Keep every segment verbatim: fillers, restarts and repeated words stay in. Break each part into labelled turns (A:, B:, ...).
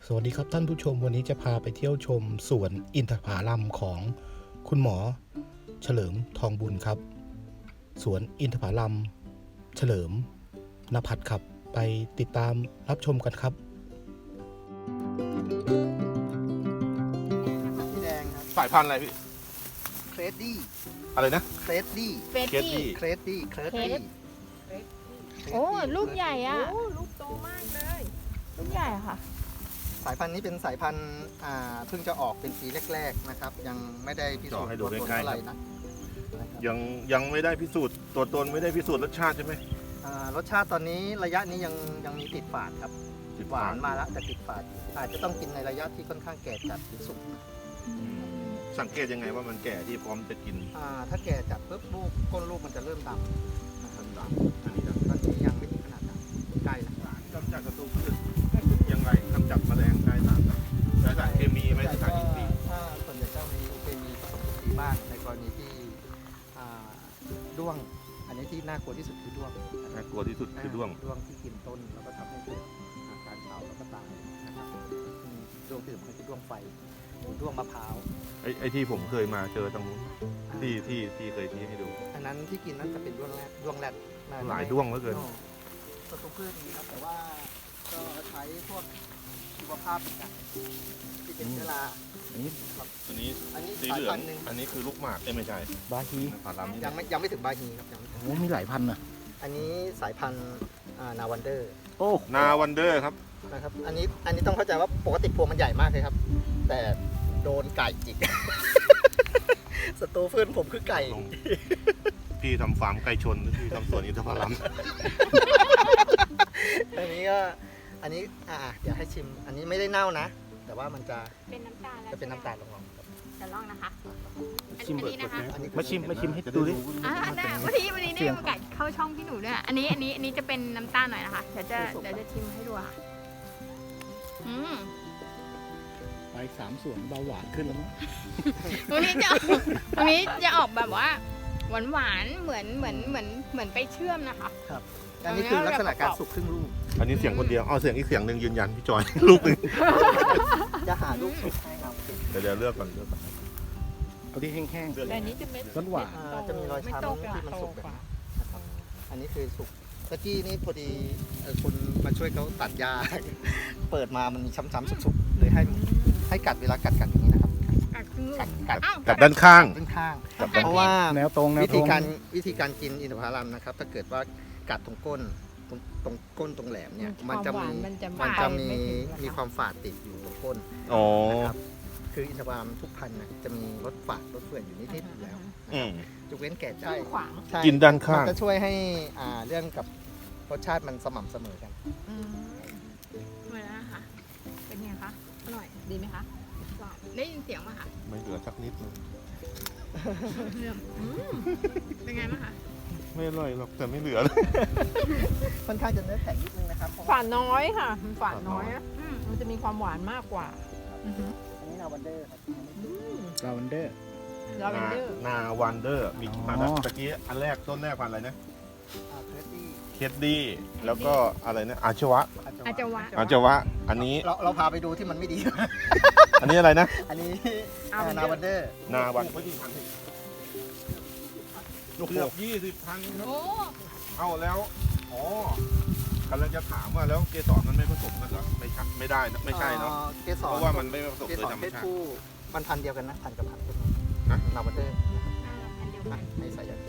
A: สวัสดีครับท่านผู้ชมวันนี้จะพาไปเที่ยวชมสวนอินทผลัมของคุณหมอเฉลิมทองบุญครับสวนอินทผลัมเฉลิมนภัทรครับไปติดตามรับชมกันครับ
B: สีแดงครับ
C: สายพันธุ์อะไรพี่
B: เครดดี้
C: อะไรนะ
B: เครดดี้
D: เฟรด
C: เคสดี้
D: ดี้
B: เครดดี้เครดดี้
D: โอ้ลูกใหญ่อะ
E: โอ้ลูกโตมากเลย
D: ลูกใหญ่อะค่ะ
B: สายพันธุ์นี้เป็นสายพันธุ์อ่าเพิ่งจะออกเป็นปีแรกๆนะครับ ยังไม่ได้พิสูจน์ตัวตนเท่าไหร่นะนะครับ
C: ยังยังไม่ได้พิสูจน์ตัวตนไม่ได้พิสูจน์รสชาติใช่ไหม
B: อ่ารสชาติตอนนี้ระยะนี้ยังยังมีติดฝาดครับหวานมาแล้วแต่ติดฝาดอาจจะต้องกินในระยะที่ค่อนข้างแก่จัดถึงสุก
C: สังเกตยังไงว่ามันแก่ที่พร้อมจะกิน
B: อ่าถ้าแก่จัดปุ๊บลูกก้นลูกมันจะเริ่มดำนะครับดำ
C: อันนี้นะ
B: ตอนนี้ยังไม่ถึงขนาดดำใกล้แล้ว
C: กำจัดศัตรูพืชยังไงกำจัดแมลงใช้สารใช้สารเคมีไหมใช้สารอินทรีย์
B: ถ้าส่วนใหญ่ก็มีเคมีผสมอินทรีย์บ้างในกรณีที่อ่าด้วง อันนี้ที่น่ากลัวที่สุดคือด้วง
C: น่ากลัวที่สุดคือด้วง
B: ด้วงที่กินต้นแล้วก็ทำให้เกิดอาการเผาแล้วก็ตายนะครับอืมด้วงตื่นมันคือด้วงไฟหรือด้วงมะพร้าว
C: ไอ้ไอ้ที่ผมเคยมาเจอตรงนู้นที่ที่ที่เคยชี้ให้ดู
B: อันนั้นที่กินนั้นจะเป็นด้วงแรดด้วงแรดน่จะ
C: หลายด้วงเหลือเกิน
B: ศัตรูพืชนี้ครับแต่ว่าก็ใช้พวกชีวภาพเหมือนกันที่เป็นเชื้อรา
C: อันนี้
B: ครับ
C: อันนี้
B: อันนี้
C: สี
B: สาย
C: เหลือ
B: พั
C: ง
B: นธุ์หนึ่ง
C: อันนี้คือลูกหมากเอ้ยไม่ใช่
A: บาฮี
C: ผาลัมนี่
B: ยังไม่ยังไม่ถึงบาฮีครับยังไม่ถึง
A: โอ้มีหลายพันนะ
B: อันนี้สายพันธุ์อ่านาวันเดอร์
A: โอ้
C: นาวันเดอร์ครับ
B: นะครับ อันนี้อันนี้ต้องเข้าใจว่าปกติพวงมันใหญ่มากเลยครับ แต่โดนไก่จิก ศัตรูพืชผมคือไก่
C: ลง พี่ทำฟาร์มไก่ชนหรือพี่ทำสวนอินทผลัม
B: อันนี้ก็อันนี้อ่าเดี๋ยวให้ชิม อันนี้ไม่ได้เน่านะ แต่ว่ามันจะ
D: เป็นน้ำตาลแล้ว
B: จะเป็นน้ำตาลลง
D: จะลองนะคะ อัน
A: ชิม
D: นี้นะคะ
B: ๆอันนี้คือ
A: มาชิมมาชิมให้ดูดิ
D: อ่าได้วันนี้วันนี้ได้โอกาสเข้าช่องพี่หนูด้วยอันนี้อันนี้อันนี้จะเป็นน้ำตาลหน่อยนะคะเดี๋ยวจะเดี๋ยวจะชิมให้ดูค่ะอืม
A: ไปสามส่วนเบาหวานขึ้นแล้วมั้ง
D: วันนี้จะออกวันนี้จะออกแบบว่าหวานหวานๆเหมือนเหมือนเหมือนเหมือนไปเชื่อมนะคะ
B: อันนี้คือลักษณะการสุกครึ่งลูก
C: อันนี้เสียงคนเดียวเอาเสียงอีกเสียงหนึ่งยืนยันพี่จอย ลูกหนึ่ง
B: จะหาลูกสุกให้ครับ
C: เดี๋ยวเดี๋ยวเลือกก่อนเลือกก่อน
A: เอาที่แห้ง
C: เลือก
E: แต่อันนี้จะเม็ด
A: ๆรสหวาน
B: อ่าจะมีรอย
E: ไม่
B: ช้ำ
E: โต
B: ที่
E: กว่า
B: มัน
E: โต
B: สุกแบบ
E: กว่า
B: นี้นะครับ อันนี้คือสุกตะกี้นี่พอดีเอ่อคนมาช่วยเขาตัดหญ้า เปิดมามันมีช้ำๆสุกๆเลยให้ให้กัดเวลากัดกัดอย่างนี้นะครับ
D: กัดคือ
B: กัดกัด
D: อ้าว
C: กับด้านข้าง
B: ด้านข้าง
C: กับด้าน
B: เพราะว่า
A: แนวตรงแนว
B: วิ
A: ตร
B: ธี
A: ง
B: การวิธีการกินอินทผลัมนะครับ ถ้าเกิดว่ากัดตรงก้นตรงตรงก้นตรงแหลมเนี่ยมันจะ
E: ควา
B: มี
E: หวานมันจะ
B: มันจะมี
E: ไถึง
B: มีความฝาดติดอยู่ตรงก้น
C: อ๋อ
B: นะครับคืออินทผลัมทุกพันธุ์นะจะมีรสฝาดรสเฟื่อนอยู่นิดๆอยู่แล้ว
C: อืม
B: ยกเว้นแก่ใจ
E: ขึ้นขวาง
B: ใช่
C: กินด้านข้าง
B: มันจะช่วยให้อ่าเรื่องกับรสชาติมันสม่ำเสมอกัน
D: อืมเหมือนนะคะเป็นไงคะอร่อยดีไหมคะหวานได้ยินเสียงไหมคะ
C: ไม่เหลือสักนิดนึง
D: อืมเป็นไงบ้างคะ
C: ไม่อร่อยหรอกแต่ไม่เหลือเลย
B: ค่อนข้างจะเนื้อแข็งนิดนึงนะครับเพราะ
E: ฝาดน้อยค่ะมันฝาดน้อยนะ
D: อืม
E: มันจะมีความหวานมากกว่าอือฮึ
B: อันนี้นาวันเดอร์ครับ
E: อืม
A: ลาวันเดอร์
E: ลาเวนเดอร์
C: นาวันเดอร์มี
A: อ๋อ
C: มาแล้วตะกี้อันแรกต้นแรกพันธุ์อะไรนะ
B: อ่าเครดดี้
C: เคดดี้แล้วก็อะไรนะอาชวะ
D: อาจจะหวาน
C: อาชวะ อันนี้
B: เราเราพาไปดูที่มันไม่ดี
C: อันนี้อะไรนะ
B: อันนี้
E: อ่า
B: อ่านาวันเดอร์
C: นาวันเกือบยี่สิบพันครับ
D: โอ้
C: เอาแล้วอ๋อกำลังจะถามว่าแล้วเกสรมันไม่ผสมกันเหรอไม่ใช่ไม่ได้นะไม่ใช่เนาะ
B: อ่อเกสร
C: เพราะว่ามันไม่ผสม
B: เก
C: โด
B: ส
C: ย
B: ร
C: ธรรม
B: เพศ
C: ชาติ
B: ผู้มันพันธุ์เดียวกันนะพันธุ์กับพันธุ์ต้น
C: นะ
B: นาวันเดอร์
D: อ่าอันเดียวกั
B: อ่ะ
D: น
B: ให้ใส่ยัน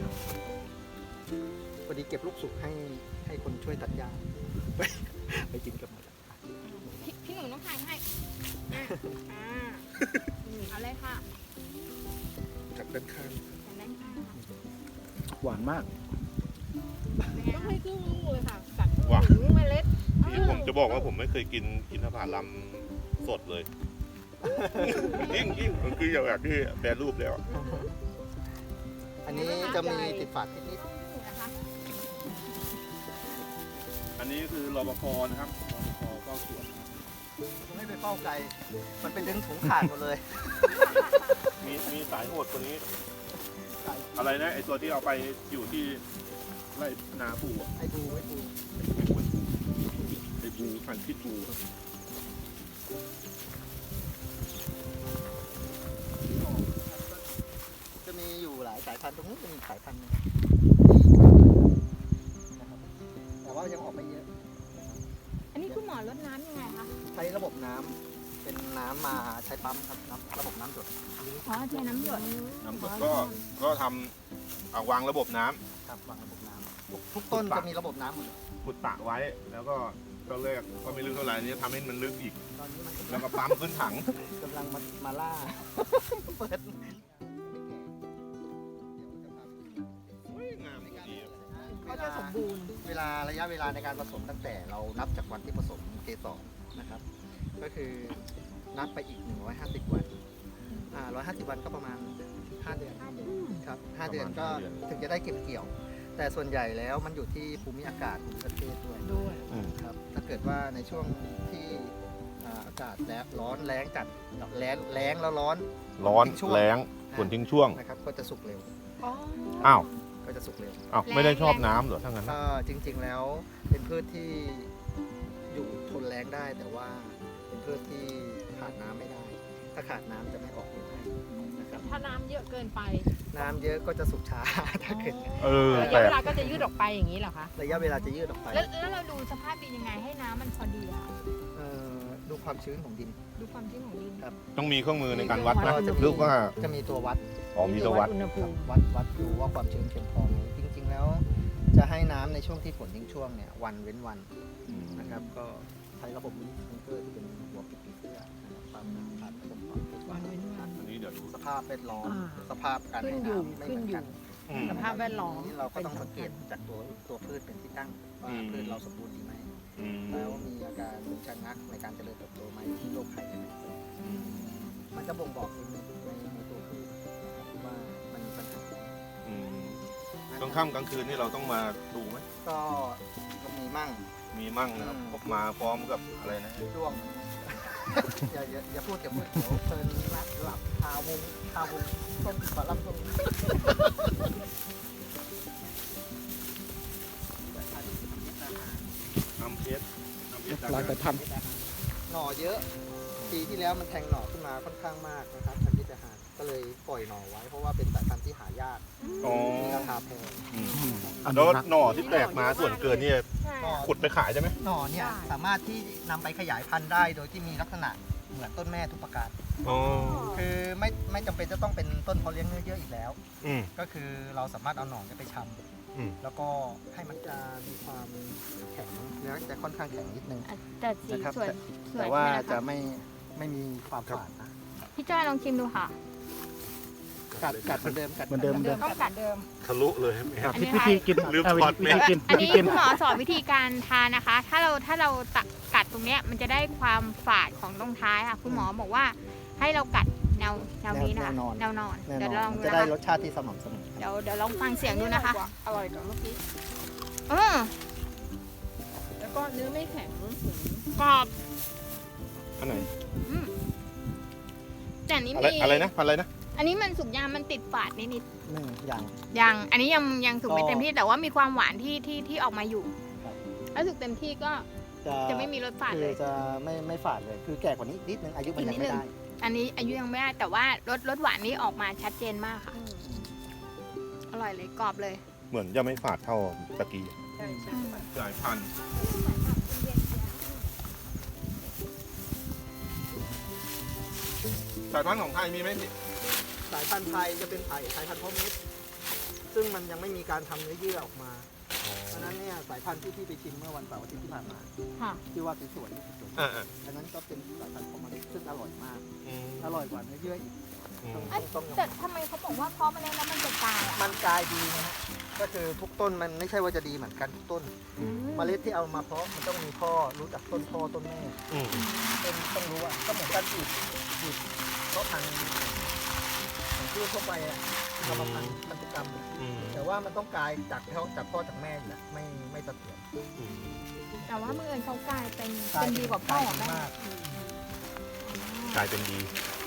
B: พอดีเก็บลูกสุกให้ให้คนช่วยตัดหญ้า ไปไปกินกับมัน
D: พี่พี่หนูต้องถ่ายให้อ่ะอ่าเอาเลยค่ะ
C: จากด้านข้าง
D: แต่ได้ค่ะ
A: หวานมาก
D: เป็นไง
E: ต้อง
D: คะ
E: ให้ครึ่งลูกเลยค่ะกัด
C: ว้า
E: ถึงเมล็ด
C: ที่ผมจะบอกว่าผมไม่เคยกินอินทผลัมสดเลย ยิ่งยิ่งมันคืออย่างแบบที่แปรรูปแล้ว
B: อันนี้จะมีติดฝาดนิด
D: นะคะ
C: อันนี้คือรปภนะครับรปภเฝ้าสวน
B: ๆไม่ไปเฝ้าไกลมันเป็นดึงถุงขาดหมดเลย
C: มีมีสายโหดคนนี้ อะไรนะไอตัวที่เอาไปอยู่ที่ไร่นาปูอ่ะ
B: ไอ้ดูไอ้ดู
C: ไอบูพันธุ์พิษบูครับ
B: จะมีอยู่หลายสายพันธุ์ตรงนี้จะมีสายพันธุ์หนึงนะครับแต่ว่ายังออกไม่เยอะ
D: อันนี้คุณหมอลดน้ำยังไงคะ
B: ใช้ระบบน้ำเป็นน้ำมาใช้ปั๊มครับน้ำระบบน้ำหยด
D: อ๋อเทน้ำหยด
C: น้ำสดก็ก็ทำเอาวางระบบน้ำ
B: ครับวางระบบน้ำทุกต้นจะมีระบบน้ำหมดเลย
C: ขุดตะไว้แล้วก็ก็เลิกก็ไม่ลึกเท่าไหร่อันนี้ทำให้มันลึกอีก
B: ตอนนี้มัน
C: แล้วก็ปั๊มขึ้นถัง
B: กำลังมามาล่าเปิด
C: งามดี
E: เขาจะสมบูรณ์
B: เวลาระยะเวลาในการผสมตั้งแต่เรานับจากวันที่ผสมเกสรนะครับ ก็คือนับไปอีก หนึ่งร้อยห้าสิบ วันอ่าหนึ่งร้อยห้าสิบ วันก็ประมาณ ห้า เดือนครับห้าเดือนก็ถึงจะได้เก็บเกี่ยว แต่ส่วนใหญ่แล้วมันอยู่ที่ภูมิอากาศภูมิประเทศด้วย
E: ด้วย
B: ครับถ้าเกิดว่าในช่วงที่อ่าอากาศแล้ร้อนแรงจัดแล้งแรงแล้วร้อน
C: ร้อน
B: ช่วง
C: แรงฝนทิ้งช่วง
B: นะครับก็จะสุกเร็ว
E: อ๋อ
C: อ้าว
B: ก็จะสุกเร็ว
C: อ้าวไม่ได้ชอบน้ำเหรอถ้างั้น
B: ก็จริงๆแล้วเป็นพืชที่อยู่ทนแรงได้ แต่ว่าเป็นพืชที่ขาดน้ำไม่ได้ ถ้าขาดน้ำจะไม่ออกลูกให้นะครับ
E: ถ้าน้ำเยอะเกินไป
B: น้ำเยอะก็จะสุกช้า ถ้าเกิด
C: เออ
E: ระ
C: แปล
E: ยะเว
C: ก
E: ลาก็จะยืดออกไปอย่างนี้เหรอคะ
B: ระยะเวลาจะยืดออกไป
D: แล้วแล้วเราดูสภาพดินยังไงให้น้ำมันพอดีอะคะ
B: เอ่อดูความชื้นของดิน
D: ดูความชื้นของดิน
C: ต้องมีเครื่องมือในการวัด
B: ก็
C: นะ
B: จะ
C: หรือว่า
B: จะมีตัววัด
C: อ๋อมีตัววัด
E: อุณหภูมิ
B: วัดวัดดูว่าความชื้นเพียงพอไหมจริงๆแล้ว จะให้น้ำในช่วงที่ฝนทิ้งช่วงเนี่ยวันเว้นวันนะครับ ก็ใช้ระบบมิเตอร์ที่เป็นหัวปิดผีเสื้อนะครับความน้ำผ่านระบบความปิด
E: วันเว้นวัน
C: อันนี้เดี๋ยวดู
B: สภาพแวดล้อม
E: อ่า
B: สภาพการ
E: ขึ้น
B: ให้
E: อยู่
B: น้ำไม่เห
E: ขึ้น
B: มือน
E: อ
B: กั
E: ยู่
B: น
C: อืม
E: สภาพแวดล้อม
B: นี้เราก็ต้อง
E: เป็น
B: สังเกต
E: สำคัญ
B: จากตัวตัวพืชเป็นที่ตั้งว่า
C: อืม
B: พืชเราสมบูรณ์ดีไหม
C: อืม
B: แล้วมีอาการชะงักในการเจริญเติบโตไหมที่โรคไข้ไหมมันจะบ่งบอกในในในตัวพืชนะครับว่ามันมีปัญหา
C: อืมกลางค่ำกลางคืนนี่เราต้องมาดูไหม
B: ก็ก็มีมั่ง
C: มีมั่งนะครับผมมาพร้อมกับอะไรนะ
B: ช่วง อย่าอย่าอย่าพูดอย่าพูดเดี๋ยวเพลินหลับหลับคาวงคาวงต้นฝาลำต้น
C: น้ำเพชรน้ำเพชร
A: ลายสายพันธุ์
B: หน่อเยอะ ปีที่แล้วมันแทงหน่อขึ้นมาค่อนข้างมากนะครับพันธุ์ที่จะหาก็เลยปล่อยหน่อไว้ เพราะว่าเป็นสายพันธุ์ที่หายาก
C: อ๋อ
B: มีราคาแพง
C: อืม
A: อนุ
C: แล้ว
A: รักษ์
C: หน่อที่แตกมาส่วนเกินนี่
D: ใช่
B: หน่อ
C: ขุดไปขายใช่ไหม
B: หน่อเนี่ย
E: ใช่
B: สามารถที่นำไปขยายพันธุ์ได้โดยที่มีลักษณะเหมือนต้นแม่ทุกประการ
C: อ๋อ
B: คือไม่ไม่จำเป็นจะต้องเป็นต้นเพาะเลี้ยงเนื้อเยอะอีกแล้ว
C: อืม
B: ก็คือเราสามารถเอาหน่อเนี่ยไปช
C: อืม
B: ำแล้วก็ให้มันจะมีความแข็งเนื้อจะค่อนข้างแข็งนิดนึง
D: อ่ะแต่สี
B: นะครับ
D: สวย
B: แต่
D: สวย
B: แต่ว่า
D: ใช่ไหม
B: จะ
D: คะ
B: ไม่ไม่มีความฝาดนะ
D: พี่จ้อยลองชิมดูค่ะ
B: กัดกัดเหมือนเดิมกัด
A: เหมือนเดิม
E: เดิม
D: ต้องกัด
E: เดิม
C: ทะลุเลยไหม
A: ครับ
D: อันนี้
A: วิธีกิน
C: ลืม
A: เอา
C: ถอด
A: วิ
C: แม
A: ธี
C: ส
A: กิน
D: อัน
A: วิธี
D: นี้
A: กิน
D: คุณหมอสอนวิธีการทานนะคะ ถ้าเราถ้าเราตักกัดตรงเนี้ยมันจะได้ความฝาดของตรงท้ายค่ะ คุณหมอบอกว่าให้เรากัดแนวแนวนี้นะคะแนวนอน
B: แน่
D: เดี๋ยวน
B: อ
D: ลอน ง
B: มัน
D: ดู
B: จะ
D: นะ
B: ได้
D: คะ
B: รสชาติที่สม่ำเสมอ
D: เดี๋ยวเดี๋ยวลองฟังเสียงดูนะคะ
E: อร่อยกว่าเมื่อกี้
D: เออ
E: แล้วก็เนื้อไม่แข็ง
D: กรอบ
C: อันไหน
D: อืมแต่อันนี้
C: อะไร
D: มี
C: อะไรนะพันอะไรนะ
D: อันนี้มันสุกยางมันติดฝาดนิด
B: หนึ่งอย่าง
D: ๆยังอันนี้ยังยังสุกไม่
B: ก็
D: เต็มที่แต่ว่ามีความหวานที่ที่ที่ออกมาอยู่
B: ครับ
D: แล้วสุกเต็มที่ก็
B: จะ
D: จะไม่มีรสฝาด
B: คื
D: เล
B: อย จะไม่ไม่ฝาดเลย คือแก่กว่านี้นิดนึงอายุมัน
D: อีก
B: ยั
D: นิ
B: ง
D: ด
B: ไม่
D: นึง
B: ได้
D: อันนี้อายุยังไม่ได้แต่ว่ารสรสหวานนี้ออกมาชัดเจนมากค่ะ อร่อยเลยกรอบเลย
C: เหมือนจะไม่ฝาดเท่าตะกี้
E: ใช่ใช่
C: สายพันธุ์สายพันธุ์ของไทยมีไหมพี่
B: สายพันธุ์ไทยจะเป็นไผ่สายพันธุ์เพาะเม็ดซึ่งมันยังไม่มีการทำเนื้อเยื่อออกมา เพราะฉะนั้นเนี่ยสายพันธุ์ที่พี่ไปชิมเมื่อวันเสาร์อาทิตย์ที่ผ่านมา
D: ค่ะ
B: ที่ว่าสวยๆนี่สวย
C: อ่า
B: ๆอันนั้นก็เป็นสายพันธุ์เพาะเม็ดซึ่งอร่อยมาก
C: อืม
B: อร่อยกว่าเนื้อเยื่ออีก
C: อืม
B: ต้องต้องต้องยอม
D: แต่ทำไมเขาบอกว่าเพราะมันแล้วมันจะตายอ่ะ
B: มันกลายดีนะฮะก็คือทุกต้นมันไม่ใช่ว่าจะดีเหมือนกันทุกต้น เมล็ดที่เอามาเพาะมันต้องมีพ่อรู้จักต้นพ่อต้นแม่
C: อืม
B: ต้นต้องรู้ว่าก็เหมือนการปลูกปลูกเพาะพันธุ์ของพืชทั่วไปอะเอามาพันธุ์พันธุกรรม
C: อืม
B: แต่ว่ามันต้องกลายจากพ่อจากพ่อจากแม่อยู่แล้วไม่ไม่เสถียร
C: อืม
D: แต่ว่าเมื่อเอิญเขากลายเป็น
B: กลาย
D: เป็นดีกว่าพ่อ
B: ลย
D: กับ
B: เป็น
D: แม่
B: มาก
C: กลายเป็นดี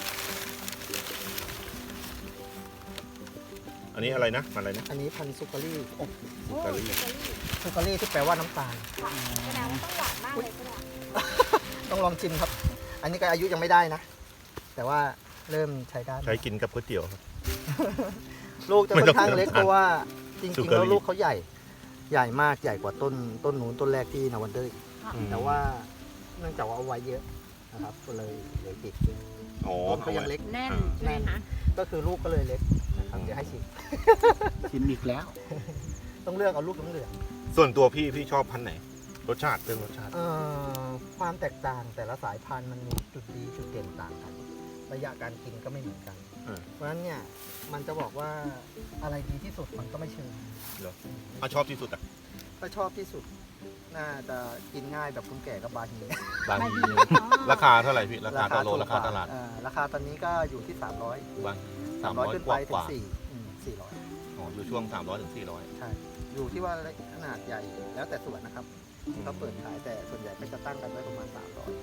C: อันนี้อะไรนะมันอะไรนะ
B: อันนี้พันธุ์ซุการี่
D: โอ้
C: สุการี่
D: สุการี่
B: ซุการี่ที่แปลว่าน้ำตาล
D: ค่ะแสดงว่าต้องหวานมากเลยใช่ไหม
B: ต้องลองชิมครับอันนี้ก็อายุยังไม่ได้นะ แต่ว่าเริ่มใช้ได้
C: ใช้กินกับก๋วยเตี๋ยวครับ
B: ลูกจะค่อนข้างเล็ก
C: ไม่ต้อง
B: เพราะว่าจ
C: สุ
B: ริงๆ
C: กะ
B: แล้ว
C: ลี
B: ลูกเขาใหญ่ ใหญ่มากใหญ่กว่าต้นต้นนู้นต้นแรกที่นาวันเดอร์อีก
C: อืม
B: แต่ว่าเนื่องจากว่าเอาไว้เยอะนะครับก็เลยเหลือติด
C: อ๋อ
B: ต้นเขายังเล็ก
E: แน่น
C: อ่า
E: ใช่ไหมคะ
B: ก็คือลูกก็เลยเล็กนะครับเดี๋ยวให้ชิม
A: ชิมอีกแล้ว
B: ต้องเลือกเอาลูกเหลือง
C: ส่วนตัวพี่พี่ชอบพันธุ์ไหน รสชาติเรื่องรสชาติ
B: ๆเอ่อความแตกต่างแต่ละสายพันธุ์มันมีจุดดีจุดเด่นต่างกัน ระยะการกินก็ไม่เหมือนกัน เพราะฉะนั้นเนี่ยมันจะบอกว่าอะไรดีที่สุดมันก็ไม่เชิง
C: อ่ะชอบที่สุดอ่ะ
B: ถ้าชอบที่สุดน่าจะกินง่ายแบบคุณแก่กับบาฮี
C: บาง
D: บาง
C: ที
D: ทีอ๋อ
C: ราคาเท่าไหร่พี่ ราคาต่อโล
B: ถูก
C: ราคาก
B: ว่
C: ตลาด
B: เอ่อราคาตอนนี้ก็อยู่ที่ 300
C: บางสาม
B: 300
C: ร้อย
B: ขึ้น
C: ก
B: ไป
C: ว่า
B: ถึ
C: ก
B: ง
C: ว่า
B: สี่อืมสี่ร้อย
C: อ๋ออยู่ช่วงสามร้อยถึงสี่ร้อย
B: ใช่ อยู่ที่ว่าขนาดใหญ่แล้วแต่ส่วนนะครับที่เขาเปิดขายแต่ส่วนใหญ่ก็จะตั้งกันไว้ประมาณ 300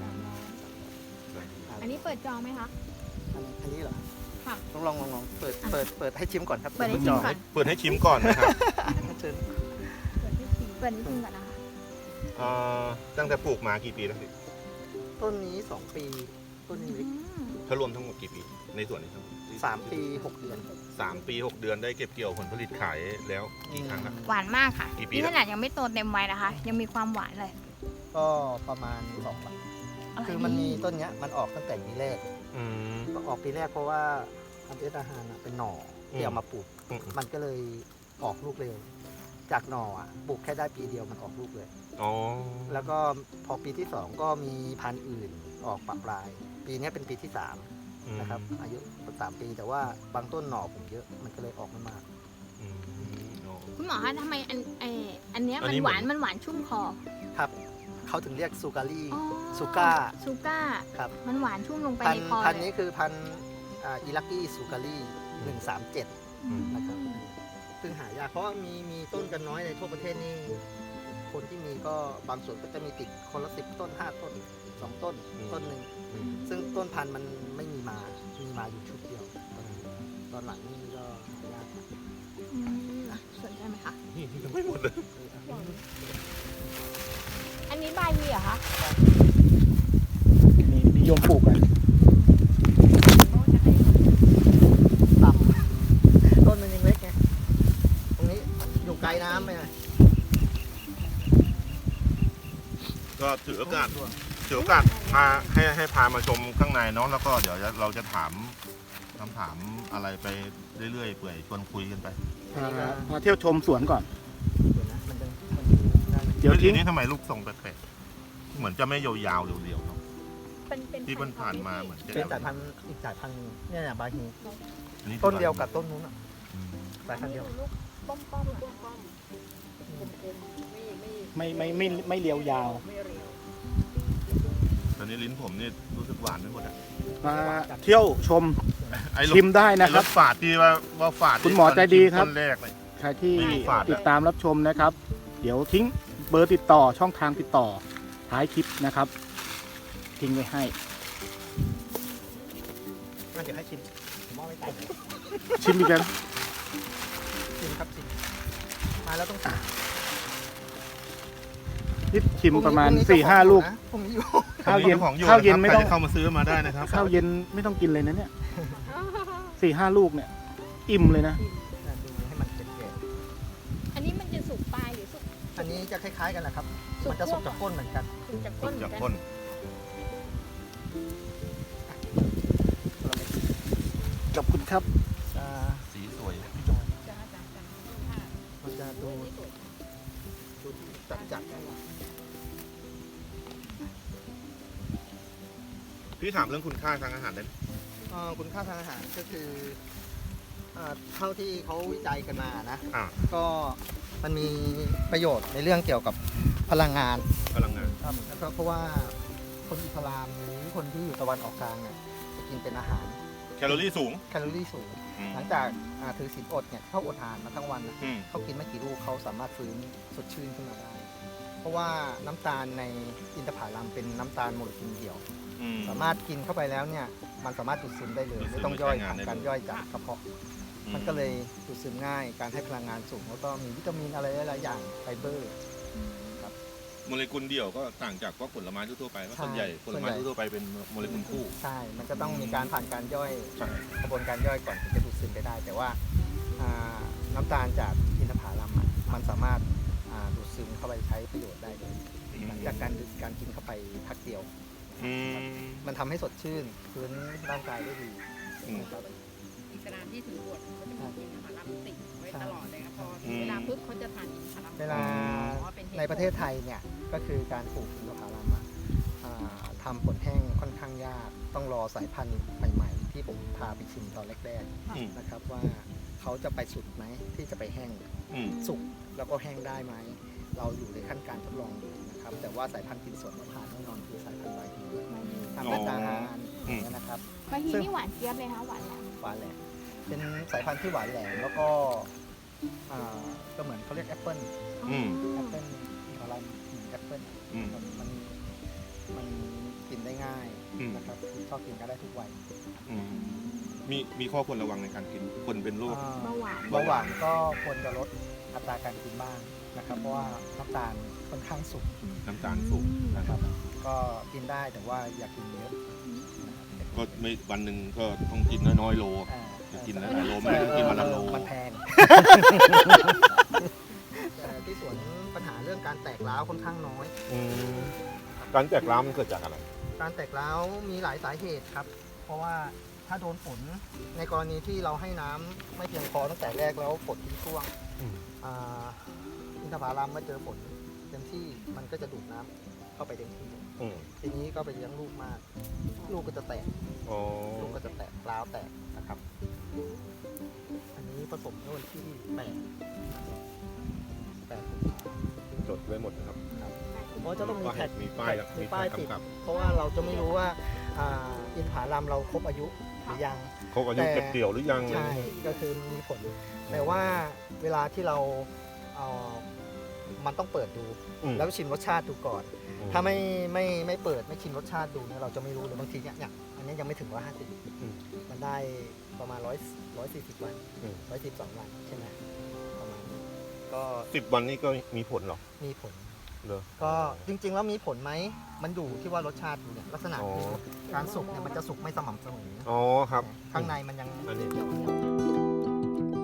D: อันนี้เปิดจองไหมคะ
B: อันอันนี้เหรอ
D: ค่ะ
B: ต้องลองลองลองเปิดเปิดเปิดให้ชิมก่อนครับ
D: เปิดให้ชิมก่อน
C: เปิดให้ชิมก่อนนะครับ
B: เชิญ
D: เปิดให้ชิมเปิดให้ชิมก่อนนะคะ
C: เอ่อตั้งแต่ปลูกมากี่ปีแล้วพี่
B: ต้นนี้ สอง ปีต้นนี้เล็ก
C: ถ้ารวมทั้งหมดกี่ปี ในส่วนนี้ครับ
B: สามปี หก เดือน
C: สามปีหกเดือนได้เก็บเกี่ยวผลผลิตขายแล้วกี่ครั้งละ
D: หวานมากค่ะ
C: กี่ปี
D: นี่
C: แล้ว
D: ขนาดยังไม่โตเต็มวัยนะคะ ยังมีความหวานเลย
B: ก็ประมาณสองปี คือมันมีต้นเนี้ยมันออกตั้งแต่ปีแรก
C: อืม
B: ก็ออกปีแรกเพราะว่าอันเดอร์อาหารเป็นหน่อที่เอามาปลูก
C: อืม
B: มันก็เลยออกลูกเร็ว จากหน่ออ่ะปลูกแค่ได้ปีเดียวมันออกลูกเลย
C: อ๋อ
B: แล้วก็พอปีที่สองก็มีพันธุ์อื่นออกปะปลาย ปีเนี้ยเป็นปีที่สามนะครับ อายุสามปีแต่ว่าบางต้นหน่อผมเยอะมันก็เลยออกไม่มาก
C: อืมอ๋อ
D: คุณหมอคะทำไมอันเอออันเนี้ย
C: อัน
D: มัน
C: นี้
D: หวาน
C: เหมือน
D: มันหวานชุ่มคอ
B: ครับเขาถึงเรียกซูการี
D: อ๋อ
B: ซูก้า
D: ซูก้า
B: ครับ
D: มันหวานชุ่มลงไป
B: พัน
D: ใน
B: ธุ์
D: คอ
B: พันธุ์
D: เล
B: นี้
D: ย
B: คือพันธุ์อ่าอิลักกี้ซูการีหนึ่งสามเจ็ด
D: อืม
B: นะครับซึ่งหายากเพราะว่ามีมีต้นกันน้อยในทั่วประเทศนี่คนที่มีก็บางส่วนก็จะมีติดคนละสิบต้นห้าต้นสองต้น
C: อืม
B: ต้นหนึ่ง
C: อืม
B: ซึ่งต้นพันธุ์มันไม่มีมา มีมาอยู่ชุดเดียวตอนนี้ตอนหลังนี่ก็หายาก
D: อืมสนใจไหมคะ
C: นี่ยังไม่หมดเลย
D: อันนี้บายฮีเหรอคะ
A: นี่นิยมปลูกกัน
B: ต่ำต้นมันยังเล็กไง ตรงนี้อยู่ไกลน้ำไปหน่อย
C: ก็ถือโอกาสถือโอกาสพาให้ให้พามาชมข้างในเนาะแล้วก็เดี๋ยวเราจะถามคำถามอะไรไปเรื่อยๆเปื่อยชวนคุยกันไป
B: อันนี้ก็
A: มาเที่ยวชมสวนก่อน
B: เดี๋ยวนะมันจะมันจะได้ไหม
A: เดี๋ยว
C: ที
A: ทิ้ง
C: นี้ทำไมลูกทรงแปลกๆเหมือนจะไม่ยาวๆเรียวๆเนาะ
D: เป็นเป็น
C: ที่มันผ่านมาเหมือนจะ
B: เป็นสายพันธุ์อีกสายพันธุ์เนี่ยเนี่ยบาฮี
C: อัคือ
B: ต้นเดียวกับต้นนู้นอ่ะ
C: อืม
B: สายพันธุ์เดียว
D: ลูกป้อมป้อมๆอะ
E: ไม่ไม่
A: ไม่ไม่ไม่ไม่เรียวยาว
E: ไม่เรียว
C: ตอนนี้ลิ้นผมนี่รู้สึกหวานไปหมดอ่ะ
A: มาเที่ยวชม
C: ไอ้รส
A: ชิมได้นะค
C: ร
A: รับ
C: สฝาดที่ว่าว่าฝาด
A: คุณหมอใจดีครับ
C: ต้นแรกเลย
A: ใครที่
C: ไม่มีฝาดอะ
A: ติดตามรับชมนะครับ เดี๋ยวทิ้งเบอร์ติดต่อช่องทางติดต่อท้ายคลิปนะครับ ทิ้งไว้ให้
B: งั้นเดี๋ยวให้ชิมผมมอบไม่ได้
A: ชิมอีกแล้ว
B: ชิมครับชิมมาแล้วต้องชิม
A: นี่ชิมประมาณ
B: พงนี้
A: สี่ห้าลูก
B: พรุ่งนี้อยู่
A: ข้าวเย็น
C: ของอยู่
A: ข้าวเย็น
C: นะครับ
A: ไม่ต้อง
C: ใครจะเข้ามาซื้อมาได้นะครับ
A: ข้าวเย็นไม่ต้องกินเลยนะเนี่ยสี่ห้าลูกเนี่ย อิ่มเลยนะ
B: ดูให้มันเป็นแก่
D: อันนี้มันจะสุกปลายหรือสุก
B: อันนี้จะคล้ายๆกันแหละครับ
D: สุก
B: มันจะสุกจาก
D: คั่ว
B: ก้นเหมือนกัน
D: สุกจาก
C: สุ
D: ก้น
C: ก
D: เหมื
C: จา
D: อก นกัน
C: ก้น
B: เราไม่
A: ขอบคุณครับ
B: จะ
C: สีสวย
B: พี่จอยมันจะดูดูจัดจัด
C: พี่ถามเรื่องคุณค่าทางอาหารได้ไหม
B: เอ่อคุณค่าทางอาหารก็คือเอ่อเท่าที่เขาวิจัยกันมานะ
C: อ่า
B: ก็มันมีประโยชน์ในเรื่องเกี่ยวกับพลังงาน
C: พลังงาน
B: ครับแล้วก็เพราะว่าคนอิสลามหรือคนที่อยู่ตะวันออกกลางเนี่ยจะกินเป็นอาหาร
C: แคลอรี่สูง
B: แคลอรี่สูง
C: อืม
B: หลังจากอ่าถือศีลอดเนี่ยเขาอดอาหารมาทั้งวันน่ะ
C: อืม
B: เขากินไม่กี่ลูกเขาสามารถฟื้นสดชื่นขึ้นมาได้ เพราะว่าน้ำตาลในอินทผลัมเป็นน้ำตาลโมเลกุลเดียว
C: อืม
B: สามารถกินเข้าไปแล้วเนี่ยมันสามารถดูดซึมได้เลย
C: ดูดซึม
B: ไม่ต้องย่อย
C: ใช้งาน
B: ผ่าน
C: ได้
B: การ
C: เลย
B: ย่อยจากกระเพาะ มันก็เลยดูดซึมง่าย การให้พลังงานสูงแล้วก็มีวิตามินอะไรหลายๆอย่างไฟเบอร์ครับ
C: โมเลกุลเดี่ยวก็ต่างจากพวกผลไม้ทั่วๆไปว่าส่วนใหญ่ผลไม้ทั่วๆไปเป็นโมเลกุลคู่
B: ใช่ มันจะต้องมีการผ่านการย่อย
C: ใช่
B: กระบวนการย่อยก่อนถึงจะดูดซึมไปได้ แต่ว่าอ่าน้ำตาลจากอินทผลัมอะมันสามารถอ่าดูดซึมเข้าไปใช้ประโยชน์ได้เลยหลังจากการดื่มการกินเข้าไปพักเดียว
C: อืม
B: มันทำให้สดชื่นพื้นร่างกายได้ดี
C: อืม
B: นะครับ
E: อิสลามที่ถือบวชเขาจะมีกินอาหารรับติดไว้
B: ใช่
E: ตลอดเลยครับพอ
C: อืม
E: เวลาปุ๊บเขาจะทานอิสลาม
B: เวลา
E: อ๋อเป็นหตุผล
B: ในประเทศไทยเนี่ยก็คือการปลูกอินทผลัมอะอ่าทำผลแห้งค่อนข้างยาก ต้องรอสายพันธุ์ใหม่ ๆ ที่ผมพาไปชิมตอนแรก
C: อืม
B: ๆนะครับว่าเขาจะไปสุดไหมที่จะไปแห้ง
C: อืม
B: สุกแล้วก็แห้งได้ไหม เราอยู่ในขั้นการทดลองอยู่นะครับ แต่ว่าสายพันธุ์กินสดมะพร้าวแน่นอนคือสายพันธุ์ใบฮีทำเป็นอาหารอย่างเงี้ยนะครับ
D: บางทีนี่หวานเจี๊ยบเลยนะคะหวานแหลม
B: หวานแหลมเป็นสายพันธุ์ที่หวานแหลมแล้วก็อ่าก็เหมือนเขาเรียกแอปเปิ้ล
C: อืม
B: แอปเปิ้ลอะไรแอปเปิ้ล
C: อืม
B: มันมันมันกินได้ง่าย
C: อืม
B: นะครับชอบกินก็ได้ทุกวัย
C: อืมมีมีข้อควรระวังในการกินคนเป็นโรค
B: อ่า
D: เบาหวาน
B: เบาหวานก็ควรจะลดอัตราการกินบ้างนะครับ เพราะว่าน้ำตาลค่อนข้างสูง
C: น้ำตาลสูงนะครับ
B: ก็กินได้แต่ว่าอย่ากินเยอะนะครับ
C: ก็ไม่วันหนึ่งก็ต้องกินน้อยๆโล
B: อ่า
C: จะกินหลายๆโลไม่ได้กินวันละโล
B: มันแพง แต่ที่สวนปัญหาเรื่องการแตกร้าวค่อนข้างน้อย
C: อืมการแตกร้าวมันเกิดจากอะไร
B: การแตกร้าวมีหลายสาเหตุครับ เพราะว่าถ้าโดนฝนในกรณีที่เราให้น้ำไม่เพียงพอตั้งแต่แรกแล้วฝนทิ้งช่วง
C: อืม
B: อ่าอินทผลัมเมื่อเจอฝนเต็มที่มันก็จะดูดน้ำเข้าไปเต็มที่
C: อืม
B: ทีนี้ก็ไปเลี้ยงลูกมาก ลูกก็จะแตก
C: อ๋อ
B: ลูกก็จะแตกร้าวแตกนะครับ อันนี้ผสมเมื่อวันที่แปดแปดกุมภาพันธ์
C: จดไว้หมดนะครับ
B: เพราะจะต้องมีแท็ก
C: มีป้ายแล้ว
B: มีป้ายติด
C: กำกับ
B: เพราะว่าเราจะไม่รู้ว่าอ่าอินทผลัมเราครบอายุหรือยัง
C: ครบอายุ
B: แต่
C: เก็บเกี่ยวหรือยัง
B: ใช่ ก็คือมีผล แต่ว่าเวลาที่เราเอามันต้องเปิดดู
C: อืม
B: แล้วชิมรสชาติดูก่อน
C: อืม
B: ถ้าไม่ไม่ไม่เปิดไม่ชิมรสชาติดูเนี่ยเราจะไม่รู้เลยบางทีเนี่ยเนี่ยอันนี้ยังไม่ถึงร้อยห้าสิบ
C: อืม
B: มันได้ประมาณร้อยร้อยสี่สิบวัน
C: อืม
B: ร้อยสิบสองวันใช่ไหมประมาณนี้ก็
C: สิบวันนี้ก็มีผลเหรอ
B: มีผล
C: เหรอ
B: ก็จริงๆแล้วมีผลไหมมันอยู่ที่ว่ารสชาติดูเนี่ยลักษณะ
C: อ๋อ
B: คือการสุกเนี่ยมันจะสุกไม่สม่ำเสมอ
C: อ๋อครับ
B: ข้างในมันยัง
C: อันนี้
B: เกี่ยว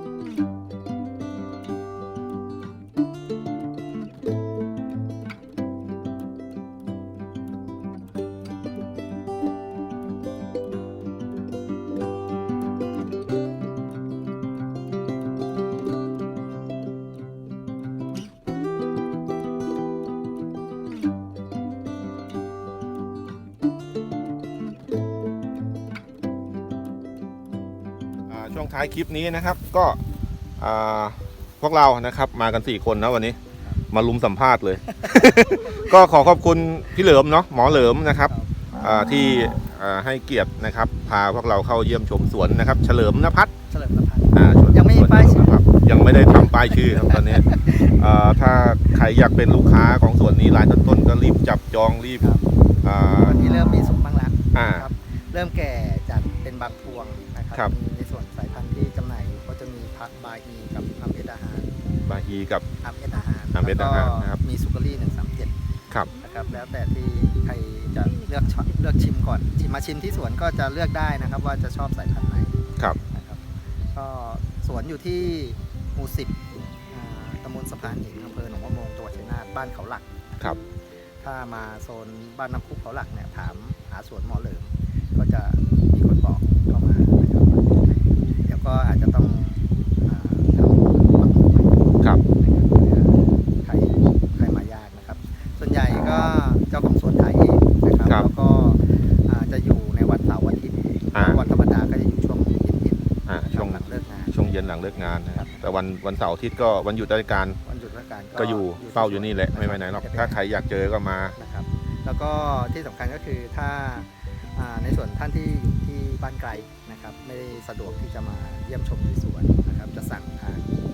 C: อ่าช่วงท้ายคลิปนี้นะครับก็อ่าพวกเรานะครับมากันสี่คนนะวันนี้ มาลุมสัมภาษณ์เลย ก็ขอขอบคุณพี่เหลิมเนาะหมอเหลิมนะครับอ่าที่อ่าให้เกียรตินะครับพาพวกเราเข้าเยี่ยมชมสวนนะครับ เฉลิมนภัทร
B: เฉลิมพระพันธ์
C: อ่าสวน
B: ยังไม่มี
C: สวน
B: ป้ายชื่อ
C: เฉลิมนภัทรยังไม่ได้ทำป้ายชื่อครับตอนนี้อ่าถ้าใครอยากเป็นลูกค้าของสวนนี้รายต้นๆก็รีบจับจองรีบ
B: ครับ
C: อ่า
B: ตอนนี้เริ่มมีสุกบ้างแล้ว
C: อ่า
B: ครับเริ่มแก่จากเป็นบางพวงนะค
C: ครั
B: รับ มีในส่วนสายพันธุ์ที่จำหน่ายอยู่ก็จะมีพัดบาฮีกับอัมเอดาฮาน
C: บาฮีกับ
B: อัมเอดาฮาน
C: อัมเอดาฮานนะครับ
B: มีสุกรี่หนึ่งสามเจ็ด
C: ครับ
B: นะครับแล้วแต่ที่ใครจะเลือกชอบเลือกชิมก่อนชิมมาชิมที่สวนก็จะเลือกได้นะครับ ว่าจะชอบสายพันธุ์ไหน
C: ครับ
B: นะครับก็สวนอยู่ที่หมู่สิบอ่าตำบลสะพานหินอำเภอหนองมะโมงจังหวัดชัยนาทบ้านเขาหลัก
C: ครับ
B: ถ้ามาโซนบ้านน้ำพุเขาหลักเนี่ยถามหาสวนหมอเหลิมก็จะมีคนบอกเข้ามานะครับเดี๋ยวก็อาจจะต้องอ่าทำปักหมุดไว้
C: ครับ
B: นะครับเพื่อใครใครมายากนะครับ ส่วนใหญ่ก็เจ้าของสวนขายเองนะครับ
C: ครับ
B: แล้วก็อ่าจะอยู่ในวันเสาร์วันอาทิตย์
C: อ่า
B: วันธรรมดาก็จะอยู่ช่วงเย็น
C: อ่า
B: ๆ
C: ช่วง
B: หลังเลิกงาน
C: ช่วงเย็นหลังเลิกงานนะครับแต่วันวันเสาร์อาทิตย์ก็วันหยุดราชการ
B: วันหยุดราชการ
C: ก็อยู่เฝ้าอยู่นี่แหละไม่ไปไหนหรอกถ้าใครอยากเจอก็มา
B: นะครับ แล้วก็ที่สำคัญก็คือถ้าอ่าในส่วนท่านที่อยู่ที่บ้านไกลนะครับ ไม่ได้สะดวกที่จะมาเยี่ยมชมที่สวนนะครับ จะสั่งทาง